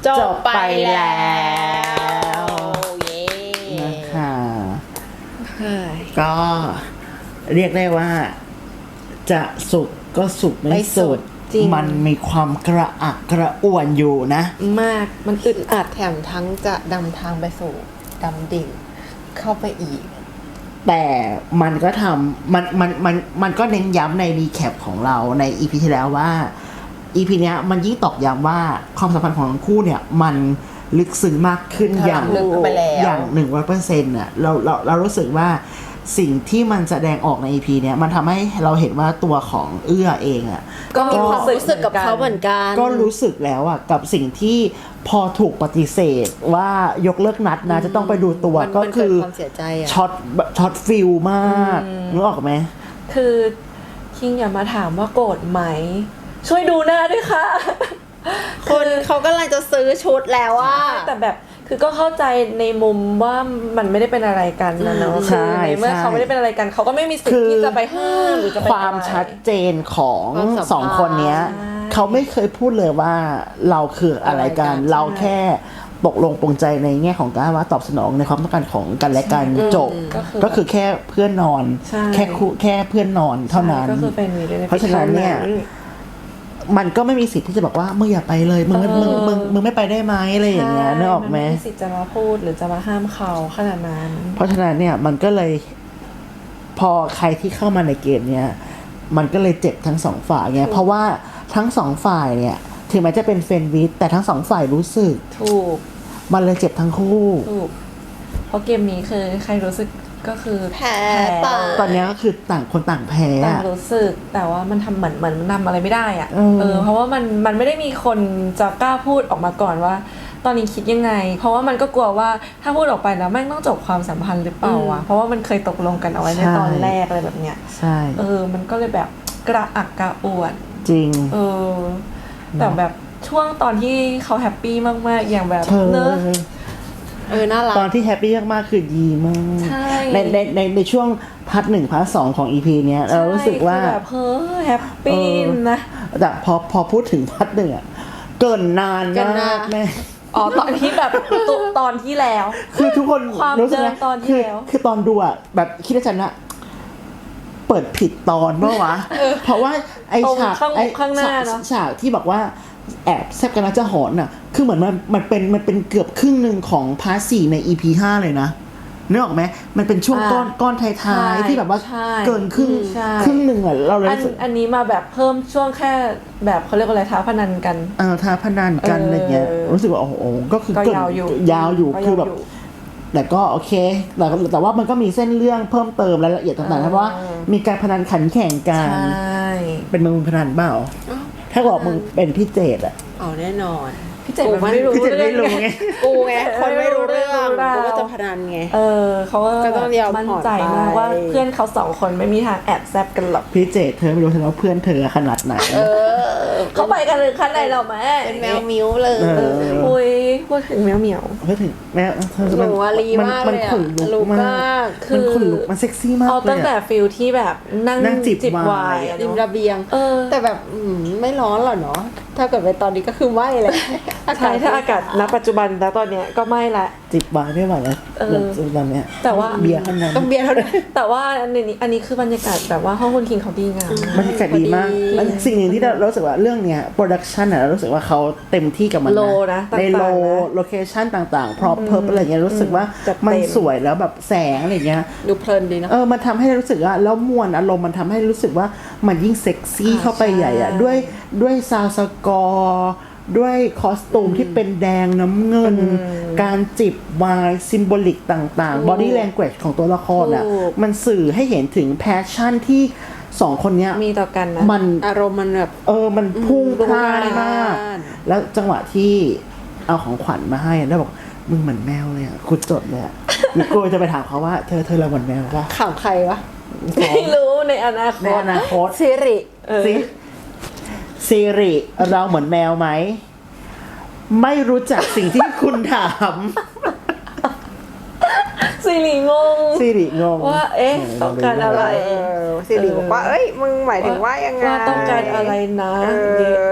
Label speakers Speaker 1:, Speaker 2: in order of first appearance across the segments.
Speaker 1: จบไปแล้ว
Speaker 2: เย้
Speaker 1: นะคะก็เรียกได้ว่าจะสุกก็สุกไม่สุดมันมีความกระอักกระอ่วนอยู่นะ
Speaker 2: มากมันอึดอัดแถมทั้งจะดำทางไปสู่ดำดิ่งเข้าไปอีก
Speaker 1: แต่มันก็ทำมันก็เน้นย้ำในรีแคปของเราใน EP ที่แล้วว่า EP เนี้ยมันยิ่งตอกย้ำว่าความสัมพันธ์ของทั้งคู่เนี่ยมันลึกซึ้งมากขึ้นอย่าง 100% อ่ะเรารู้สึกว่าสิ่งที่มันแสดงออกใน EP เนี้ยมันทำให้เราเห็นว่าตัวของเอื้อเองอ่ะ
Speaker 2: ก็มีความรู้สึกกับเขาเหมือนกัน
Speaker 1: ก็รู้สึกแล้วอ่ะกับสิ่งที่พอถูกปฏิเสธว่ายกเลิกนัดนะจะต้องไปดูตัวก็คือช็อตฟิลมากนึกออกไหม
Speaker 3: คือคิงอย่ามาถามว่าโกรธไหมช่วยดูหน้าด้วยค่ะ
Speaker 2: คนเขากำลังจะซื้อชุดแล้วว่า
Speaker 3: แต่แบบคือก็เข้าใจในมุมว่ามันไม่ได้เป็นอะไรกันนะเนาะคือในเมื่อเขาไม่ได้เป็นอะไรกันเขาก็ไม่มีสิทธิ์ที่จะไปห้ามหรือจะไป
Speaker 1: ความชัดเจนของสองคนเนี้ยเขาไม่เคยพูดเลยว่าเราคืออะไรกันเราแค่ตกลงปรงใจในแง่ของการว่าตอบสนองในความต้องการของกันและกันจบก็คือแค่เพื่อนนอนแค่เพื่อนนอนเท่านั้นเพราะฉะนั้นเนี่ยมันก็ไม่มีสิทธิ์ที่จะบอกว่ามึงอย่าไปเลยมึงไม่ไปได้ไหมอะไรอย่างเงี้ยนึกออกไหม
Speaker 3: ไม่มีสิทธิ์จะมาพูดหรือจะมาห้ามเขาขนาดนั้น
Speaker 1: เพราะฉะนั้นเนี่ยมันก็เลยพอใครที่เข้ามาในเกมเนี่ยมันก็เลยเจ็บทั้งสองฝ่ายไงเพราะว่าทั้งสองฝ่ายเนี่ยถึงแม้จะเป็นเฟรนด์วิดแต่ทั้งสองฝ่ายรู้สึก
Speaker 3: ถูก
Speaker 1: มันเลยเจ็บทั้งคู่
Speaker 3: ถูกเพราะเกมนี้คือใครรู้สึกก็คือ
Speaker 2: แพ้
Speaker 1: ตอนนี้ก็คือต่างคนต่างแพ้
Speaker 3: ต่างรู้สึกแต่ว่ามันทำเหมือนมันทำอะไรไม่ได้อ่ะเพราะว่ามันไม่ได้มีคนจะกล้าพูดออกมาก่อนว่าตอนนี้คิดยังไงเพราะว่ามันก็กลัวว่าถ้าพูดออกไปแล้วแม่งต้องจบความสัมพันธ์หรือเปล่าวะเพราะว่ามันเคยตกลงกันเอาไว้ในตอนแรกอะไรแบบเนี้ย
Speaker 1: ใช่
Speaker 3: มันก็เลยแบบกระอักกระอ่วน
Speaker 1: จริง
Speaker 3: แต่แบบช่วงตอนที่เขาแฮปปี้มากๆอย่างแบบเนอะ
Speaker 2: น่ารัก
Speaker 1: ตอนที่แฮปปี้มากๆคือดีมากในช่วงพาร์ท 1พาร์ท 2ของ EP เนี้ยเรารู้สึกว่า
Speaker 3: แบบแฮปปี้นะ
Speaker 1: แต่พอพูดถึงพาร์ท 1อ่ะเกินนานมากแม่
Speaker 3: ตอนที่แบบตอนที่แล้ว
Speaker 1: คือทุกคน
Speaker 3: รู้สึกตอนที่แล้ว
Speaker 1: คือตอนดูอ่ะแบบคิดว่าฉันอะเปิดผิดตอนเมื่อวะเพราะว่าไอ้ฉาก
Speaker 3: ข้างหน้าเนาะ
Speaker 1: ฉากที่บอกว่าแอบแซบกันนะจะหอนน่ะคือเหมือนมันเป็นเกือบครึ่งนึงของพาร์ท 4ใน EP 5เลยนะนึกออกไหมมันเป็นช่วงก้อนท้ายๆที่แบบว่าเกินครึ่งนึงอ่ะเราเลย
Speaker 3: อันนี้มาแบบเพิ่มช่วงแค่แบบเขาเรียกว่าอะไรท้าพนันกัน
Speaker 1: ท้าพนันกันอะไรเงี้ยรู้สึกว่าโอ้โหก็คือยาวอยู่คือแบบแต่ก็โอเคแต่ว่ามันก็มีเส้นเรื่องเพิ่มเติมรายละเอียดต่างๆเพราะว่ามีการพนันขันแข่งกันเป็นมึงพนันเปล่าถ้าบอกมึงเป็นพี่เจดอะ
Speaker 2: แน่นอน
Speaker 3: พี่เจดมันไม่รู้
Speaker 1: ไง
Speaker 2: กูไงคนไม่รู้เรื่องกูก็จะพนันไง
Speaker 3: เขาก็ต้องยอมมั่นใจมากว่าเพื่อนเขา2คนไม่มีทางแอบแซบกันหรอก
Speaker 1: พี่เจดเธอไม่รู้ว่าเพื่อนเธอขนาดไหน
Speaker 3: เขาไปกันเลยขั้นไหนหรอแม่
Speaker 2: เป็นแมวมิ้วเลย
Speaker 3: คุยพูดถึงแมวเหมียว
Speaker 1: พูดถึงแมว
Speaker 2: มันลีมากเลย
Speaker 1: ขนลุกมากมันขนลุกมันเซ็กซี่มากเลย
Speaker 3: ตั้งแต่ฟิลที่แบบนั่งจิบไวน์
Speaker 2: ริมระเบียงแต่แบบไม่ร้อนหรอเนาะถ้าเกิดไปตอนนี้ก็คือไม่เลย
Speaker 3: ใช่ถ้าอากาศณปัจจุบันแล้วตอนเนี้ยก็ไม่ละ
Speaker 1: จิบไวน์ไม่ไหวแล้วตอนเนี้ย
Speaker 3: แต่ว่า
Speaker 1: เบียร์เท่านั้น
Speaker 2: ต้องเบียร์เท่านั้น
Speaker 3: แต่ว่าอันนี้คือบรรยากาศแบบว่าห้องคุณคิงเขาดีงาม
Speaker 1: บรรยากาศดีมากสิ่งหนึ่งที่เรารู้สึกว่าเรื่องเนี้ยโปรดักชันเรารู้สึกว่าเขาเต็มที่กับมัน
Speaker 3: นะ
Speaker 1: ในโลเคชั่นต่างๆพร็อพเพิร์ปอะไรเงี้ยรู้สึกว่ามันสวยแล้วแบบแสงอะไรเงี้ย
Speaker 2: ดูเพลินดีนะ
Speaker 1: มันทำให้รู้สึกว่าแล้วมวลอารมณ์มันทำให้รู้สึกว่ามันยิ่งเซ็กซี่เข้าไปใหญ่อะด้วยซาวด์สกอร์ด้วยคอสตูมที่เป็นแดงน้ำเงินการจิบไวน์ซิมโบลิกต่างๆ body language ของตัวละครอ่ะมันสื่อให้เห็นถึงแพชชั่นที่2คนเนี้ย
Speaker 3: มีต่อกันนะ
Speaker 1: มัน
Speaker 2: อารมณ์มันแบบ
Speaker 1: มันพุ่งพล่านมากแล้วจังหวะที่เอาของขวัญมาให้แล้วบอกมึงเหมือนแมวเลยอ่ะคุณจดเลยอ่ะกูจะไปถามเขาว่าเธอเราเหมือนแมวป่ะ
Speaker 2: ข่าวใครวะ
Speaker 3: ไม่รู้ในอนาคต
Speaker 2: ซิริ
Speaker 1: ซีรีเราเหมือนแมวไหมไม่รู้จักสิ่งที่คุณถาม
Speaker 3: ซีรีง
Speaker 1: ง
Speaker 3: ว่าต้องการอะไร
Speaker 2: ซีรีบอกว่ามึงหมายถึงว่ายังไง
Speaker 3: ว่าต้องการอะไรนะ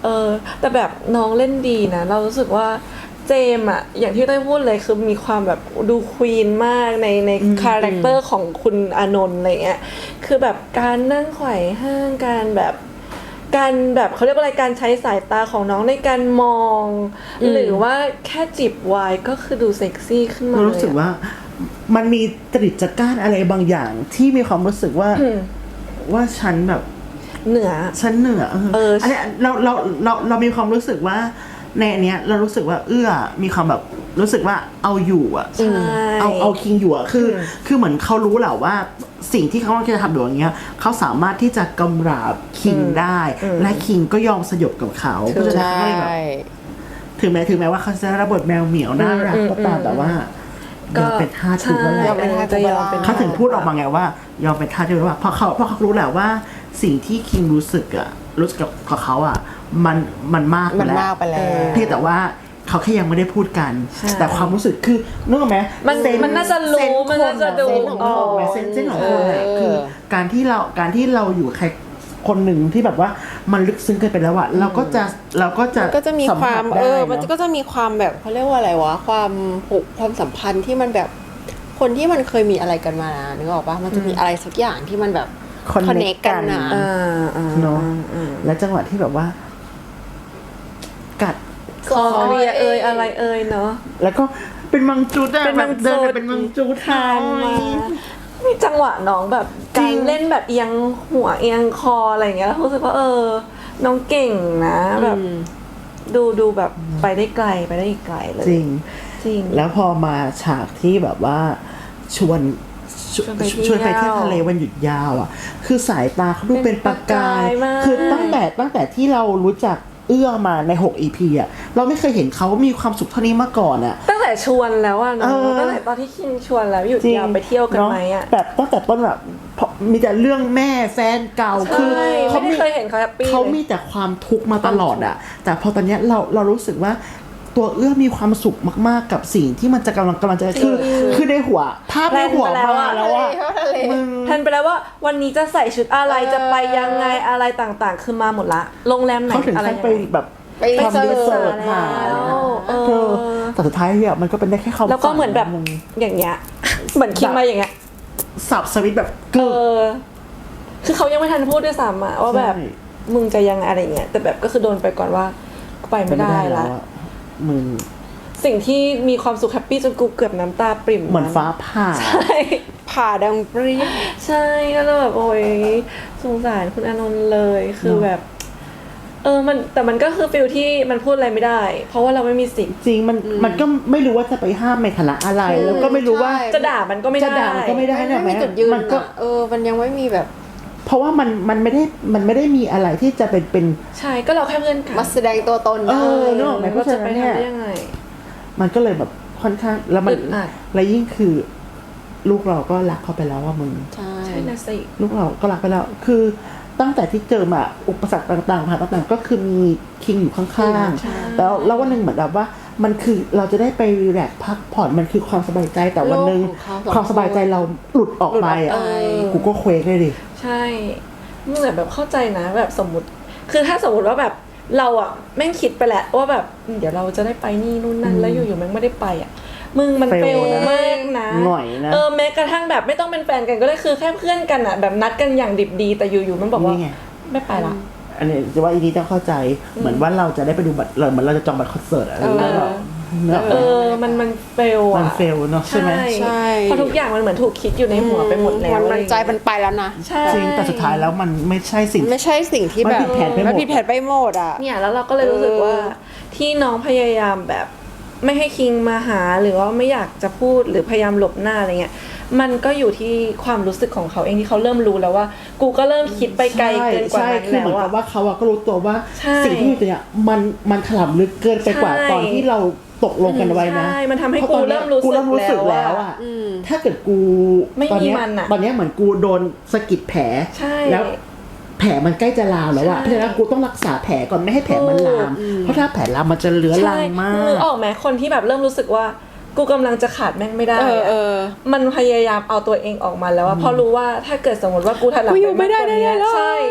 Speaker 3: แต่แบบน้องเล่นดีนะเรารู้สึกว่าเจมส์อะอย่างที่ได้พูดเลยคือมีความแบบดูควีนมากในคาแรคเตอร์ของคุณอานนท์อะไรเงี้ยคือแบบการนั่งไขว่ห้างการแบบเขาเรียกว่าอะไรการใช้สายตาของน้องในการมอง หรือว่าแค่จิบไวน์ก็คือดูเซ็กซี่ขึ้นมาเลย
Speaker 1: รู้สึกว่ามันมีจริตจักร้านอะไรบางอย่างที่มีความรู้สึกว่าว่าฉันแบบ
Speaker 3: เหนือ
Speaker 1: ฉันเหนืออันเนี้ยเรามีความรู้สึกว่าในอันเนี้ยเรารู้สึกว่ามีความแบบรู้สึกว่าเอาอยู่อ่ะ
Speaker 3: ใช่
Speaker 1: เอาคิงอยู่อ่ะคือเหมือนเขารู้แหละว่าสิ่งที่เขาจะทำอย่างเงี้ยเขาสามารถที่จะกำราบคิงได้ และคิงก็ยอมสยบกับเขาเพราะฉะนั้นเขาก็เลยแบบถึงแม้ว่าเขาจะรับบทแมวเหมียวน่ารักก็ตามแต่ว่ายอมเป็นท่าทุกข์แล้วแหละ
Speaker 2: ยอมเป็นทาส
Speaker 1: เขาถึงพูดออกมาไงว่ายอมเป็นทาสด้วยว่าเพราะเขารู้แหละว่าสิ่งที่คิงรู้สึกกับเขาอ่ะมันมากไป
Speaker 2: มัน
Speaker 1: แล้ว
Speaker 2: มากไปแล้ว
Speaker 1: เพียงแต่ว่าเขาแค่ยังไม่ได้พูดกัน แต่ความรู้สึกคือนึกออกไหม
Speaker 3: มันน่าจะรู้มันน่าจะดู
Speaker 1: เซนส์ของคนเซนส์ของคนอะคือการที่เราอยู่ใครคนหนึ่งที่แบบว่ามันลึกซึ้งเกินไปแล้วอะเราก็จะ
Speaker 2: มี
Speaker 1: สัม
Speaker 2: ควา
Speaker 1: ผั
Speaker 2: ม
Speaker 1: สได้
Speaker 2: มัน
Speaker 1: เนาะ
Speaker 2: ก็จะมีความแบบเขาเรียกว่าอะไรวะความผูกความสัมพันธ์ที่มันแบบคนที่มันเคยมีอะไรกันมานึกออกปะมันจะมีอะไรสักอย่างที่มันแบบ
Speaker 1: connect
Speaker 2: กันนะ
Speaker 1: เนาะและจังหวะที่แบบว่า กัด
Speaker 3: คอเคลียร์อะไรเนาะ
Speaker 1: แล้วก็เป็นมังจุดอะ
Speaker 3: เป็นมัง
Speaker 1: แบบเดิน
Speaker 3: จุด
Speaker 1: เป็นมังจุด
Speaker 3: ทานมามีจังหวะน้องแบบ
Speaker 1: จริ
Speaker 3: การ
Speaker 1: ง
Speaker 3: เล่นแบบเอียงหัวเอียงคออะไรอย่างเงี้ยแล้วรู้สึกว่าน้องเก่งนะแบบดูแบบไปได้ไกลไปได้อีกไกลเลย
Speaker 1: จริง
Speaker 3: จริง
Speaker 1: แล้วพอมาฉากที่แบบว่าชวน
Speaker 3: ชวนไปเที่ยว
Speaker 1: ชวนไปเที่ยวทะเลวันหยุดยาวอ่ะ คือสายตาเขาดูเป็นประกาย
Speaker 3: เป็นประกายมาก
Speaker 1: คือตั้งแต่ที่เรารู้จักมาใน6 EP อ่ะเราไม่เคยเห็นเขามีความสุขเท่านี้มาก่อนอ่ะ
Speaker 3: ตั้งแต่ชวนแล้วอะเนาะ
Speaker 1: เออ
Speaker 3: ตั้งแต่ตอนที่คิงชวนแล้วหยุดยาวไปเที่ยวกันไหมอะ
Speaker 1: เนาแบบตั้งแต่ต้นแบบเพราะมีแต่เรื่องแม่แฟนเก่าคือ
Speaker 3: ใช่
Speaker 1: เขา
Speaker 3: ไม่ได้เคยเห็นเขาแฮปปี้
Speaker 1: เขา
Speaker 3: เลย
Speaker 1: มีแต่ความทุกข์มาตลอดอ่ะ แต่พอตอนเนี้ยเรารู้สึกว่าตัวมีความสุขมากๆกับสิ่งที่มันจะกำลังจะคือในหัวภาพในหัวมาแล้วว่ามึง
Speaker 3: แทนไปแล้วว่าวันนี้จะใส่ชุดอะไรจะไปยังไงอะไรต่างๆ คือมาหมดละโรงแรมไหน
Speaker 1: เขาถึง
Speaker 3: อะไร
Speaker 1: ขั้น
Speaker 3: ยัง
Speaker 1: ไป
Speaker 3: ไง
Speaker 1: แบบ
Speaker 2: ไป
Speaker 1: ทำรีเสิร์ชหา
Speaker 3: เออ
Speaker 1: แต่สุดท้ายเนี่ยมันก็เป็นได้แค่ความ
Speaker 3: แล้วก็เหมือนแบบ
Speaker 1: ฝัง
Speaker 3: อย่างเงี้ย เหมือนคิงมาอย่างเงี้ย
Speaker 1: สับสวิตช์แบบกึก
Speaker 3: คือเขายังไม่ทันพูดด้วยซ้ำอะว่าแบบ
Speaker 1: ใช่
Speaker 3: มึงจะยังไงอะไรเงี้ยแต่แบบก็คือโดนไปก่อนว่าไปไม่ได้ละ
Speaker 1: อะมึง
Speaker 3: สิ่งที่มีความสุขแฮปปี้จนกูเกือบน้ำตาปริ่ม
Speaker 1: เหมือนฟ้าผ่า
Speaker 3: ใช่
Speaker 2: ผ่าดังเปรี้ย
Speaker 3: ใช่ก็เลยแบบโอ้ยสงสารคุณอานนท์เลยคือแบบ มันก็คือฟิลที่มันพูดอะไรไม่ได้ เพราะว่าเราไม่มีสิทธิ์
Speaker 1: จริงมันก็ไม่รู้ว่าจะไปห้ามในฐานะอะไร แล้วก็ไม่รู้ว่า
Speaker 3: จะด่ามันก็ไม่ได้
Speaker 1: จะด่ามันก็ไม่ได้
Speaker 2: ไม่มีจุดยืน
Speaker 1: มันก็
Speaker 2: อะมันยังไม่มีแบบ
Speaker 1: เพราะว่ามันไม่ได้มีอะไรที่จะเป็น
Speaker 3: ใช่ก็เราแค่เพื่อนกัน
Speaker 2: มาแสดงตัวตนได้
Speaker 1: นึกออกไหมเพราะฉะ
Speaker 3: จะไป
Speaker 1: นั้นเนี่ย
Speaker 3: ทำได้ยังไง
Speaker 1: มันก็เลยแบบค่อนข้างแล้วมัน
Speaker 3: อึดอัด
Speaker 1: และยิ่งคือ ลูกเราก็รักเขาไปแล้วว่ามึง
Speaker 2: ใช่
Speaker 3: ใช่นะสิ
Speaker 1: ลูกเราก็รักไปแล้ว คือตั้งแต่ที่เจอมาอุปสรรคต่างๆผ่านต่างๆก็คือมีคิงอยู่ข้างๆแล้ววันหนึ่งเหมือนแบบว่ามันคือเราจะได้ไปรีแลกซ์พักผ่อนมันคือความสบายใจแต่วันหนึ่ง
Speaker 2: โลกของเขา
Speaker 1: ความสบายใจเราหลุดออกไปอ่ะ
Speaker 2: หลุดออกไป
Speaker 1: กูก็เคว้งเลยดิ
Speaker 3: ใช่มึงแบบเข้าใจนะแบบสมมติ คือถ้าสมมติว่าแบบเราอะแม่งคิดไปแหละว่าแบบเดี๋ยวเราจะได้ไปนี่นู่นนั่นแล้วอยู่ๆแม่งไม่ได้ไปอะมึงมัน
Speaker 1: เฟ
Speaker 3: เฟ
Speaker 1: ล
Speaker 3: ล
Speaker 1: นะ
Speaker 3: มากนะ
Speaker 1: หน่อยนะ
Speaker 3: แม้กระทั่งแบบไม่ต้องเป็นแฟนกันก็ได้คือแค่เพื่อนกันอะแบบนัดกันอย่างดิบดีแต่อยู่ๆมันบอกว่า
Speaker 1: นี่ไง
Speaker 3: ไม่ไปละ
Speaker 1: อันนี้จะว่าอีนี้ต้องเข้าใจเหมือนว่าเราจะได้ไปดูบัตรเหมือนเราจะจองบัตรคอนเสิร์ตอะไรอย่างเงี้ยหรอเนอะ
Speaker 3: มันเฟลอะ
Speaker 1: มันเฟลเนาะใช่ไหม
Speaker 2: ใช่
Speaker 3: เพราะทุกอย่างมันเหมือนถูกคิดอยู่ในหัวไปหมดแล้ว
Speaker 2: มันใจมันไปแล้วนะ
Speaker 3: ใช่
Speaker 1: จริงแต่สุดท้ายแล้วมันไม่ใช่สิ่ง
Speaker 2: ไม่ใช่สิ่งที่
Speaker 1: มัน
Speaker 2: แบบ
Speaker 1: ผิดแผนไปหมด
Speaker 2: มันผิดแผนไปหมดอ่ะ
Speaker 3: เนี่ยแล้วเราก็เลยรู้สึกว่าที่น้องพยายามแบบไม่ให้คิงมาหาหรือว่าไม่อยากจะพูดหรือพยายามหลบหน้าอะไรเงี้ยมันก็อยู่ที่ความรู้สึกของเขาเองที่เขาเริ่มรู้แล้วว่า กูก็เริ่มคิดไปไกลเกินกว่า
Speaker 1: ใช่
Speaker 3: นั้น
Speaker 1: คือเหมื
Speaker 3: แล้
Speaker 1: อน
Speaker 3: ว
Speaker 1: กับ
Speaker 3: อะ
Speaker 1: ว่าเขาอะก็รู้ตัวว่า
Speaker 3: ใช่
Speaker 1: สิ่งที่อยู่เนี่ยมันถล่ำลึกเกินไปกว่า
Speaker 3: ใช่
Speaker 1: ตอนที่เราตกลงกันไว้นะ
Speaker 3: ใช่มันทำให้
Speaker 1: พาะตอนนี้ย
Speaker 3: กูเริ่มรู้สึก
Speaker 1: แล้ว
Speaker 3: แล้ว
Speaker 1: อะ
Speaker 3: อะ
Speaker 1: ถ้าเกิดกู
Speaker 3: ไม่
Speaker 1: ตอน
Speaker 3: มี
Speaker 1: เนี้ย
Speaker 3: มันอะ
Speaker 1: ตอนเนี้ยเหมือนกูโดนสะกิดแผล
Speaker 3: ใช่
Speaker 1: แล้วแผลมันใกล้จะลามแล้วอะ
Speaker 3: ใช่
Speaker 1: เพราะฉะนั้นกูต้องรักษาแผลก่อนไม่ให้แผลมันลาม เพราะถ้าแผลลามมันจะเลื้อรังมา
Speaker 3: นึ
Speaker 1: ก
Speaker 3: กออกไหมคนที่แบบเริ่มรู้สึกว่ากูกำลังจะขาดแม่งไม่ได้อะมันพยายามเอาตัวเองออกมาแล้วว่าเพราะรู้ว่าถ้าเกิดสมมติว่ากูถลำ
Speaker 2: กูอยู่ไม่ได้
Speaker 3: ากกว่า
Speaker 2: แน่ๆเลย
Speaker 3: ใช่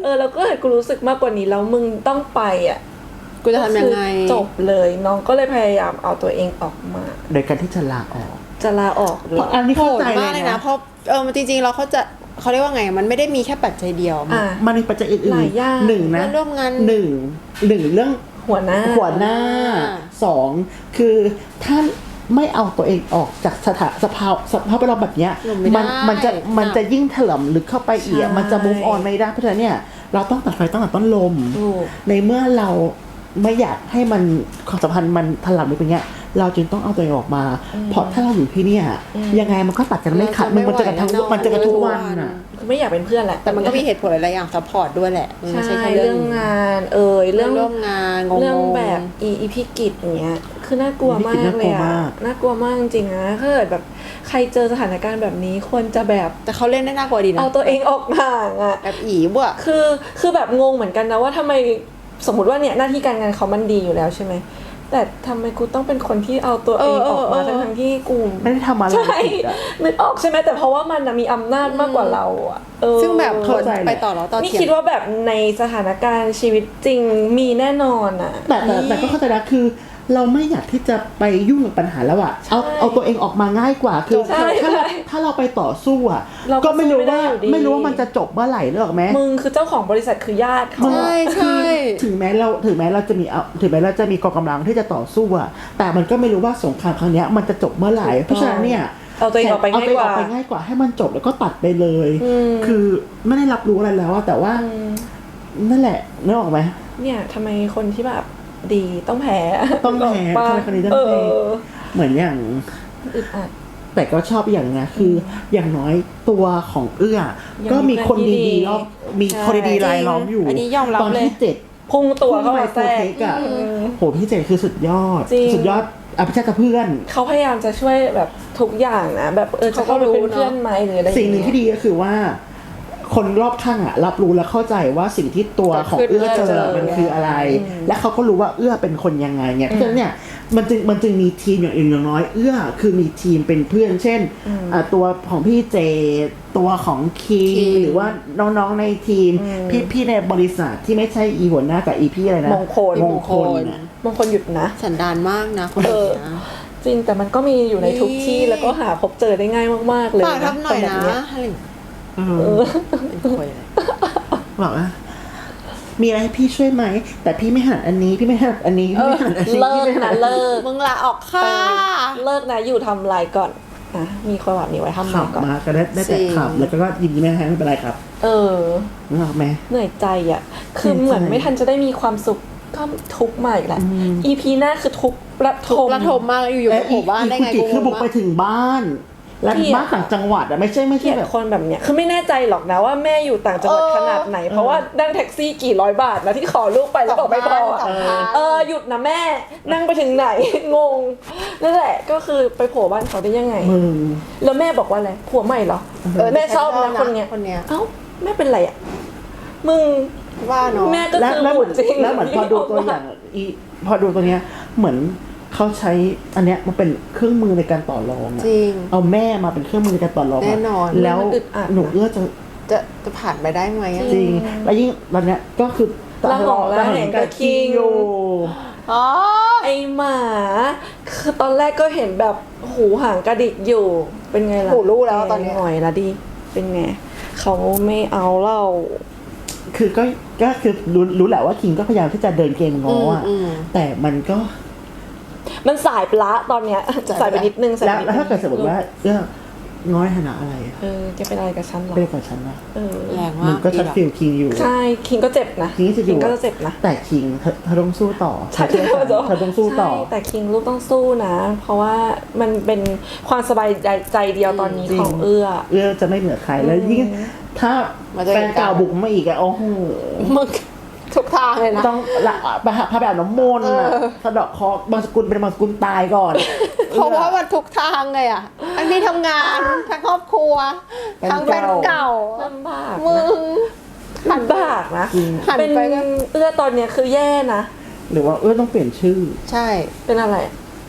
Speaker 3: แล้วก็เห็นกูรู้สึกมากกว่านี้แล้วมึงต้องไปอ่ะ
Speaker 2: กูจะทำยังไง
Speaker 3: คือจบเลยน้องก็เลยพยายามเอาตัวเองออกมา
Speaker 1: โดยการที่จะลาออก
Speaker 3: จะลาออกเล
Speaker 1: เพ
Speaker 3: ย
Speaker 1: ราะอันนี้
Speaker 2: โห
Speaker 1: เข้า
Speaker 2: ด
Speaker 1: ใจ
Speaker 2: มาก
Speaker 1: เล
Speaker 2: เลย ย
Speaker 1: นะ
Speaker 2: นะเพราะจริงๆเราเขาเรียกว่าไงมันไม่ได้มีแค่ปัจจัยเดียว
Speaker 3: อ่ะ
Speaker 1: มันมีปัจจัยอื่น
Speaker 3: หลายอย่าง
Speaker 1: หนึ่งนะ
Speaker 2: เพื่อนร่วมงาน
Speaker 1: หนึ่งเรื่อง
Speaker 3: หัวหน้า
Speaker 1: หัวหน้าสองคือถ้าไม่เอาตัวเองออกจากสภาพแวดล้อมแบบเนี้ย
Speaker 2: อยู่ไม่ได้
Speaker 1: มันจะยิ่งถล่มลึกเข้าไปอีก
Speaker 3: ใช่
Speaker 1: มันจะ move on ไม่ได้เพราะฉะนั้นเนี่ยเราต้องตัดไฟตั้งแต่ต้นลม
Speaker 3: ถูก
Speaker 1: ในเมื่อเราไม่อยากให้มันความสัมพันธ์มันถล่มลึกไปเงี้ยเราจึงต้องเอาตัวเองออกมา เพราะถ้าเราอยู่ที่เนี่ยยังไงมันก็ตัดกันไม่ขาดมันจะกันทั้งมันจะกันทุกวันอ่ะ
Speaker 3: ไม่อยากเป็นเพื่อนแหละ
Speaker 2: แต่มันก็มีเหตุผลหลายๆอย่างซัพพอร์ตด้วยแหละมันไม่
Speaker 3: ใช่
Speaker 2: ใช่แค่
Speaker 3: เรื่องงานเรื่อง
Speaker 2: ร่วมงานงงๆ
Speaker 3: เรื่องแบบอีพิกิจอย่างเงี้ยคือน่ากลัวมากเลยอะน่ากลัวมากจริงๆนะถ้าเกิดแบบใครเจอสถานการณ์แบบนี้ควรจะแบบ
Speaker 2: แต่เขาเล่นได้น่ากลัวดีนะ
Speaker 3: เอาตัวเองออกห่างอะ
Speaker 2: แบบอีบ่ะ
Speaker 3: คือแบบงงเหมือนกันนะว่าทำไมสมมติว่าเนี่ยหน้าที่การงานเขามันดีอยู่แล้วใช่ไหมแต่ทำไมกูต้องเป็นคนที่เอาตัวเองออกมาทั้งที่กู
Speaker 1: ไม่ได้ทำอะไร
Speaker 3: ใช่
Speaker 1: ผิดอะ
Speaker 3: นึกออกใช่ไหมแต่เพราะว่ามันน่ะมีอำนาจมากกว่าเราอะ
Speaker 2: ซึ่งแบบ
Speaker 1: เข้าใจแหละ
Speaker 2: ไปต่อแล้วต่อ
Speaker 3: นี่
Speaker 2: เถียง
Speaker 3: คิดว่าแบบในสถานการณ์ชีวิตจริงมีแน่นอนอะ
Speaker 1: แต่ก็เข้าใจนะคือ เราไม่อยากที่จะไปยุ่งกับปัญหาแล้วอะเอาตัวเองออกมาง่ายกว่าคือ
Speaker 3: ใช่
Speaker 1: ถ้าเราไปต่อสู้อะ
Speaker 3: เราก็
Speaker 1: ก็ไม่รู้ว่า
Speaker 3: สู้ไม่ได้อยู่ดี
Speaker 1: ไม่รู้ว่ามันจะจบเมื่อไหร่หรอกไหม
Speaker 3: มึงคือเจ้าของบริษัทคือญาติเขา
Speaker 2: ใช่ใช่
Speaker 1: ถึงแม้เราจะมีกองกำลังที่จะต่อสู้อะแต่มันก็ไม่รู้ว่าสงครามครั้งเนี้ยมันจะจบเมื่อไหร่เพราะฉะนั้นเนี่ย
Speaker 3: เอาตัวเองออกไปง่ายกว่า
Speaker 1: เอตัวเองออกไปง่ายกว่าให้มันจบแล้วก็ตัดไปเลย คือไม่ได้รับรู้อะไรแล้วอะแต่ว่านั่นแหละนึกออกไหม
Speaker 3: เนี่ยทำไมคนที่แบบดีต้องแพ้
Speaker 1: ต้องแพ้
Speaker 3: ปะ
Speaker 1: ทำไมคนนี้ต้องแพ้ เหมือนอย่าง
Speaker 3: อึดอัด
Speaker 1: แต่ก็ชอบอย่างนะคืออย่างน้อยตัวของเอื้อ
Speaker 3: ยัง
Speaker 1: ก็มีคน
Speaker 3: มี
Speaker 1: ดีๆรอบมี
Speaker 3: ใช่
Speaker 1: คนดีๆรายล้อมอยู่
Speaker 2: อันนี้ยอมรับ
Speaker 1: ตอน
Speaker 2: เลย
Speaker 1: ที่7
Speaker 3: พุ่งตัวเข้ามาแทร
Speaker 1: โปร
Speaker 3: ก
Speaker 1: เทคอะโหพี่เจคือสุดยอด
Speaker 3: จริง
Speaker 1: สุดยอดอภิชาติเพื่อน
Speaker 3: เขาพยายามจะช่วยแบบทุกอย่างนะแบบจะเข้าไปเป็นเพื่อนไหมหรืออะไร
Speaker 1: สิ่งหนึ่งที่ดีก็คือว่า คนรอบข้างอะรับรู้และเข้าใจว่าสิ่งที่ตัวของเอื้อเจอมันคืออะไร และเขาก็รู้ว่าเอื้อเป็นคนยังไงเนี่ยเพราะฉะนั้นเนี่ยมันจึงมีทีมอย่างอื่นอย่างน้อยเอื้อคือมีทีมเป็นเพื่อน เช่นตัวของพี่เจตัวของคิงหรือว่าน้องๆในทีมพี่ในบริษัทที่ไม่ใช่อีหัวหน้ากับอีพี่อะไรนะ
Speaker 3: มงคล
Speaker 1: น่ะ
Speaker 3: มงคลหยุดนะ
Speaker 2: สันดานมากนะคนนี้นะ
Speaker 3: จริงแต่มันก็มีอยู่ในทุกที่แล้วก็หาพบเจอได้ง่ายมากๆเลย
Speaker 2: ฝากทำหน่อย
Speaker 3: คแบบ
Speaker 2: นะ
Speaker 3: เย
Speaker 2: อะไร เป็นคอยเลย
Speaker 1: บอกว่ามีอะไรให้พี่ช่วยไหมแต่พี่ไม่หันอันนี้พี่ไม่หันอันนี้พี่ไม่หันอันนี้
Speaker 3: เลิ
Speaker 1: พี่
Speaker 3: ก
Speaker 1: ไม่หั
Speaker 3: นะ
Speaker 1: น
Speaker 3: เลิก
Speaker 2: มึงลาออกค่ะ
Speaker 3: เลิกนะอยู่ทำลายก่อนอ่ะมีคนแบบนี้ไว้ทำ
Speaker 1: ขั
Speaker 3: ลา
Speaker 1: บ
Speaker 3: ยก่อน
Speaker 1: มาก็ได้แต่ขับแล้วก็ยิ้มไม่ให้ไม่เป็นไรครับ นึกออกไหม
Speaker 3: เหนื่อยใจอ่ะคือ
Speaker 1: เหนื่อยใจ
Speaker 3: เหมือนไม่ทันจะได้มีความสุขก็ทุกข์มาอีกแหละ EP หน้าคือทุกข์ระทม
Speaker 2: ระทมมากอยู่ๆไปโผล่บ้านได้ไง
Speaker 1: อีก
Speaker 2: กู
Speaker 1: คือบุกไปถึงบ้าน และ
Speaker 3: เกลียด
Speaker 1: บ้านต่างจังหวัดอะไม่ใช่
Speaker 3: เกลียด
Speaker 1: แบบ
Speaker 3: คนแบบเนี้ยคือไม่แน่ใจหรอกนะว่าแม่อยู่ต่างจังหวัดขนาดไหน เพราะว่านั่งแท็กซี่กี่ร้อยบาทนะที่ขอลูกไปแล้วบอกไม่พออะ
Speaker 2: สองพัน
Speaker 3: หยุดนะแม่นั่งไปถึงไหน งงนั่นแหละก็คือไปโผล่บ้านเขาได้ยังไง
Speaker 1: มึง
Speaker 3: แล้วแม่บอกว่าอะไรผัวใหม่เหรอแม่ชอบนะคนเนี้ย
Speaker 2: คนเนี้ย
Speaker 3: เอ้าแม่เป็นไรอ่ะมึง
Speaker 2: ว่าเนาะ
Speaker 3: แม่ก็
Speaker 1: แล้ว
Speaker 3: คือ
Speaker 1: แล้วเห
Speaker 3: บุ
Speaker 1: มือน
Speaker 3: ญจริง
Speaker 1: แล้วเหมือนพอดูตัวอย่างพอดูตัวเนี้ยเหมือนเขาใช้อันเนี้ยมันเป็นเครื่องมือในการต่อรองอะ
Speaker 2: จริง
Speaker 1: เอาแม่มาเป็นเครื่องมือในการต่อรองะ
Speaker 2: แน่นอน
Speaker 1: แล้ว
Speaker 3: มันอึดอัด
Speaker 1: หนูเอื้อจะ
Speaker 2: จะผ่านไปได้ไหมอะ
Speaker 1: จริงแล้วยิ่งตอนเนี้ยก็คือ
Speaker 3: ระหองระแหงกับคิง
Speaker 1: อยู่
Speaker 2: อ๋อ
Speaker 3: ไอหมาคือตอนแรกก็เห็นแบบหูหางกระดิกอยู่เป็นไงล่ะ
Speaker 2: หูรู้แล้วตอนเนี้ย
Speaker 3: หน่อยละดิเป็นไงเขาไม่เอาเรา
Speaker 1: คือก็คือรู้แหละว่าคิงก็พยายามที่จะเดินเกมง้ออะแต่มันก็
Speaker 3: มันสายปละตอนเนี้ยสายไปนิดนึงสาย
Speaker 1: แล้ว
Speaker 3: ไปนิด
Speaker 1: แล้ว
Speaker 3: นึง
Speaker 1: ถ้าเกิดสมมติว่าง้อยฐานะอะไรอะ
Speaker 3: จะเป็นอะไรกับฉันเหรอ
Speaker 1: เป็นกับฉันนะ
Speaker 2: แรง
Speaker 1: มั
Speaker 2: มาน ก
Speaker 1: ก็ชัดฟิลคิงอยู่
Speaker 3: ใช่คิงก็เจ็บนะ
Speaker 1: คิงจะอยู่
Speaker 3: ก็จะเจ็บนะ
Speaker 1: แต่คิงเธอต้องสู้ต่อ
Speaker 3: ใช่
Speaker 1: เธอต้องสู้ต่อ
Speaker 3: ใช่แต่คิงลูกต้องสู้นะ เพราะว่ามันเป็นความสบายใจเดียวตอนนี้
Speaker 1: จริง
Speaker 3: ของเอื้อ
Speaker 1: เอื้อจะไม่เหนือใครแล้วยิ่งถ้าแฟนเก่าบุกมาอีกอะโอ้โห
Speaker 2: มึงทุกทางเลยนะ
Speaker 1: ต้องละพาไปอาบน้ำมนต์อะสะเดาะเคราะห์บางสกุลเป็นบางสกุลตายก่อน
Speaker 2: เพราะว่ามันทุกทางเลยอ่ะทั้งที่ทำงานทั้งครอบครัวทั้งแฟนเก่า
Speaker 3: ลำบาก
Speaker 2: มึ
Speaker 3: นะ
Speaker 2: ง
Speaker 3: ลำบากนะ
Speaker 1: จริง
Speaker 2: หัน
Speaker 3: เป็น
Speaker 2: ไปก็
Speaker 3: เอื้อตอนเนี้ยคือแย่นะ
Speaker 1: หรือว่าเอื้อต้องเปลี่ยนชื่อ
Speaker 2: ใช่
Speaker 3: เป็นอะไร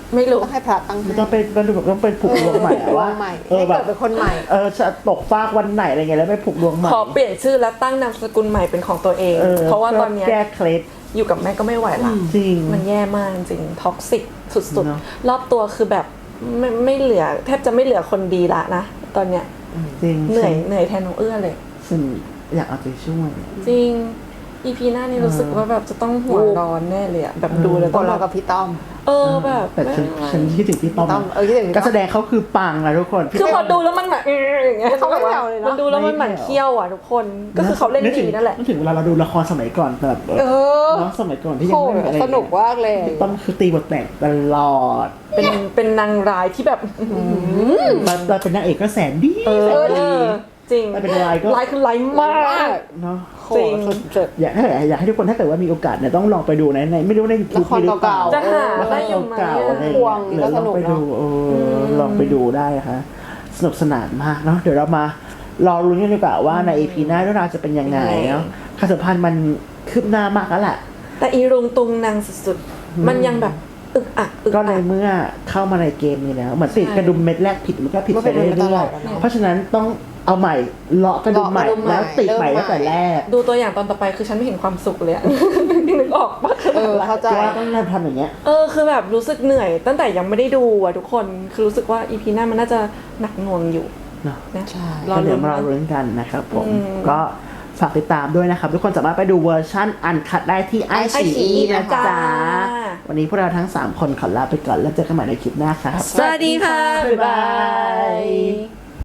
Speaker 3: ไม่รู้
Speaker 2: ต้องให้พระตั้ง
Speaker 1: มันต้องเป็นผูกดวงใหม่อะ
Speaker 2: ดว
Speaker 1: ว่าง
Speaker 2: ใหม่
Speaker 1: เออ
Speaker 2: ให้
Speaker 1: แบ
Speaker 2: เกิ
Speaker 1: บ
Speaker 2: ดเป็นคนใหม่
Speaker 1: จะตกฟากวันไหนอะไรเงี้ยแล้วไปผูกดวงใหม่
Speaker 3: ขอเปลี่ยนชื่อและตั้งนามสกุลใหม่เป็นของตัวเอง เพราะว่าตอนเนี้ย
Speaker 1: แก้เคล็ด
Speaker 3: อยู่กับแม่ก็ไม่ไหวละ
Speaker 1: จริง
Speaker 3: มันแย่มากจริงท็อกซิกสุด
Speaker 1: เนอะ
Speaker 3: ๆ รอบตัวคือแบบไม่เหลือแทบจะไม่เหลือคนดีละนะตอนเนี้ย
Speaker 1: จริง
Speaker 3: เหนื่อยแทนน้องเอื้อเลย
Speaker 1: ฉันอยากเอาใจช่วย
Speaker 3: จริง EP หน้านี่รู้สึกว่าแบบจะต้องหัวร้อนแน่เลยอะแบบดูแล้ว
Speaker 2: ค
Speaker 3: ต้อง
Speaker 2: น
Speaker 3: แบ
Speaker 2: เรา
Speaker 3: บ
Speaker 2: กับพี่ต้อม
Speaker 3: แบบ
Speaker 1: แต่ฉันคิดถึงพี่ต้อม
Speaker 2: ต้อมคิดถึงพี่ต้อม
Speaker 1: การแสดงเขาคือปังนะทุกคน
Speaker 3: คือพอดูแล้วมันแบบอย่างเงี้ย
Speaker 2: เขาไม่แผ่วเลยเนอะ
Speaker 3: มันดูแล้วมันหมั่นเคี้ยวอ่ะทุกคนก็คือเขาเล่นดีนั่นแหละ
Speaker 1: นึกถึงเวลาเราดูละครสมัยก่อนแบบ
Speaker 2: เออ
Speaker 1: เนาะสมัยก่อนที่ยั
Speaker 2: โห
Speaker 1: งไม่มีอะไร
Speaker 2: สนุกมากเลย
Speaker 1: พี่ต้อมคือตีบทแตกตลอด
Speaker 3: เป็นนางร้ายที่แบบ
Speaker 1: เราเป็นนางเอกก็แสนดี
Speaker 3: เอ
Speaker 1: แสน
Speaker 3: อ
Speaker 1: ดี
Speaker 3: จริง
Speaker 1: ไม่เป็นไรก็
Speaker 3: ร้ายคือร้ายมาก
Speaker 1: เนาะ
Speaker 2: โห
Speaker 3: จริง
Speaker 2: สุด
Speaker 1: อยากให้ทุกคนถ้าเกิดว่ามีโอกาสเนี่ยต้องลองไปดูในไม่รู้ในยูทูบ
Speaker 2: ละคร
Speaker 1: มีหรือเปล่า
Speaker 2: เก่าๆ
Speaker 3: จะหา
Speaker 1: ละค
Speaker 3: ได้
Speaker 1: ร
Speaker 3: อยู่ไหม
Speaker 1: เก่าๆอะไร
Speaker 2: พวง
Speaker 1: เดี๋ยว
Speaker 2: ก็
Speaker 1: ล
Speaker 2: ส
Speaker 1: อง
Speaker 2: นุก
Speaker 1: ไป
Speaker 2: เนอะ
Speaker 1: ดูลองไปดูได้ค่ะสนุกสนานมากเนาะเดี๋ยวเรามารอลุ้นกันดีกว่าว่าใน EP หน้าเรื่องราวจะเป็นยังไงเนาะความสัมพันธ์มันคืบหน้ามากแล้วแหละ
Speaker 3: แต่อีรุงตุงนางสุดๆมันยังแบบอึกอักอึก
Speaker 1: ก็
Speaker 3: อั
Speaker 1: ใน
Speaker 3: ก
Speaker 1: เมื่อเข้ามาในเกมนี้แล้วเหมือนติด
Speaker 3: ใช่
Speaker 1: กระดุมเม็ดแรกผิดมันก็ผิด
Speaker 2: มัน
Speaker 1: ไป
Speaker 2: เป็น
Speaker 1: เรื่
Speaker 2: ไปตล
Speaker 1: อ
Speaker 2: อย ดอะเนอะ
Speaker 1: ๆเพราะฉะนั้นต้องเอาใหม่เลาะกระดุมใหม่
Speaker 2: เลาะกระดุมใหม่
Speaker 1: แล้วติดใหม่
Speaker 2: เริ่
Speaker 1: ตั้
Speaker 2: ม
Speaker 1: ง
Speaker 2: ใหม่
Speaker 1: แต่แรก
Speaker 3: ดูตัวอย่างตอนต่อไปคือฉันไม่เห็นความสุขเลยอะ นึกออกปะ
Speaker 2: เข้าใจ
Speaker 1: ว่าต้องทำอย่างเงี้ย
Speaker 3: คือแบบรู้สึกเหนื่อยตั้งแต่ยังไม่ได้ดูอ่ะทุกคนคือรู้สึกว่าอีพีหน้ามันน่าจะหนักหน่วงอยู่
Speaker 1: เนาะ
Speaker 3: นะ
Speaker 2: ใช่
Speaker 3: รอ
Speaker 1: ก็เดี๋
Speaker 3: ลุ้
Speaker 1: ย
Speaker 3: น
Speaker 1: วมา
Speaker 3: นะ
Speaker 1: เราลุ้นกันนะครับผม
Speaker 3: อืม
Speaker 1: ก็ฝากติดตามด้วยนะครับ ทุกคนสามารถไปดูเวอร์ชั่นอันคัดได้ที่ไอซี
Speaker 2: iQIYI
Speaker 1: นะ
Speaker 2: นะคะ
Speaker 1: จ๊ะวันนี้พวกเราทั้ง 3 คนขอลาไปก่อนแล้วเจอกันใหม่ในคลิปหน้าครับ
Speaker 3: สวัสดีค่ะ
Speaker 1: บ๊ายบาย